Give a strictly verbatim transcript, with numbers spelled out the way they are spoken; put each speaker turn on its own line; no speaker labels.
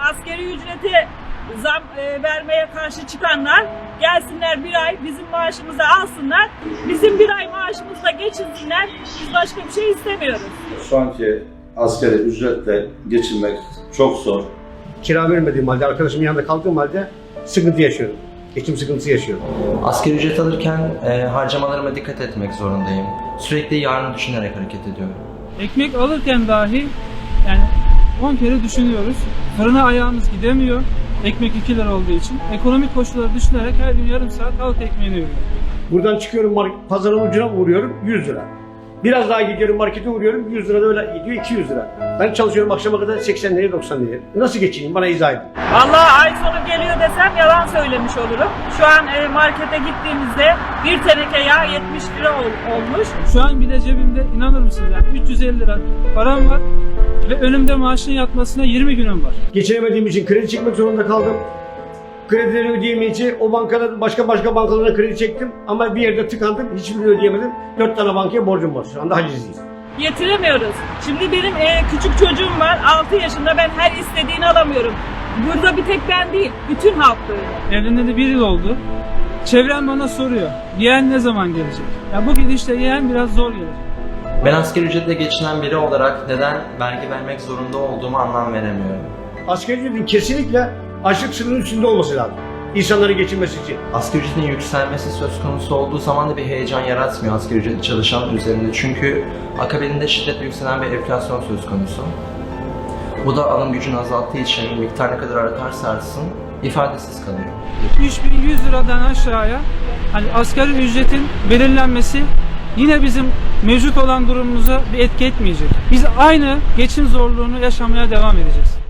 Asgari ücrete zam e, vermeye karşı çıkanlar gelsinler bir ay bizim maaşımızı alsınlar. Bizim bir ay maaşımızla geçinsinler. Biz başka bir şey istemiyoruz.
Şu anki asgari ücretle geçinmek çok zor.
Kira vermediğim halde, arkadaşımın yanında kaldığım halde sıkıntı yaşıyorum. Geçim sıkıntısı yaşıyorum.
Asgari ücret alırken e, harcamalarıma dikkat etmek zorundayım. Sürekli yarını düşünerek hareket ediyorum.
Ekmek alırken dahi yani on kere düşünüyoruz. Fırına ayağımız gidemiyor. Ekmek iki lira olduğu için. Ekonomik koşulları düşünerek her gün yarım saat halk ekmeğini yiyorum.
Buradan çıkıyorum, pazarın ucuna uğruyorum, yüz lira. Biraz daha gidiyorum, markete uğruyorum, yüz lira da öyle gidiyor, iki yüz lira. Ben çalışıyorum akşama kadar seksen liraya, doksan liraya. Nasıl geçineyim? Bana izah edin.
Vallahi ay sonu geliyor desem yalan söylemiş olurum. Şu an e, markete gittiğimizde bir teneke yağ yetmiş lira ol, olmuş.
Şu an bile cebimde inanır mısınız yani üç yüz elli lira param var ve önümde maaşın yatmasına yirmi günüm var.
Geçinemediğim için kredi çekmek zorunda kaldım. Kredileri ödeyemeyince o bankada başka başka bankalara kredi çektim ama bir yerde tıkandım, hiçbirini ödeyemedim. Dört tane bankaya borcum var. Şu anda hacizliyiz.
Yetiremiyoruz. Şimdi benim e, küçük çocuğum var, altı yaşında, ben her istediğini alamıyorum. Burada bir tek ben değil, bütün halk böyle.
Evleneli de bir yıl oldu. Çevrem bana soruyor. Yeğen ne zaman gelecek? Ya bu gidişle yeğen biraz zor gelir.
Ben asgari ücretle geçinen biri olarak neden vergi vermek zorunda olduğumu anlam veremiyorum.
Asgari ücretin kesinlikle açlık sınırının üstünde olması lazım. İnsanların geçinmesi için.
Asgari ücretin yükselmesi söz konusu olduğu zaman da bir heyecan yaratmıyor asgari ücretli çalışan üzerinde. Çünkü akabinde şiddetle yükselen bir enflasyon söz konusu. Bu da alım gücünü azalttığı için miktar ne kadar artarsa artsın ifadesiz kalıyor.
üç bin yüz liradan aşağıya hani asgari ücretin belirlenmesi yine bizim mevcut olan durumumuza bir etki etmeyecek. Biz aynı geçim zorluğunu yaşamaya devam edeceğiz.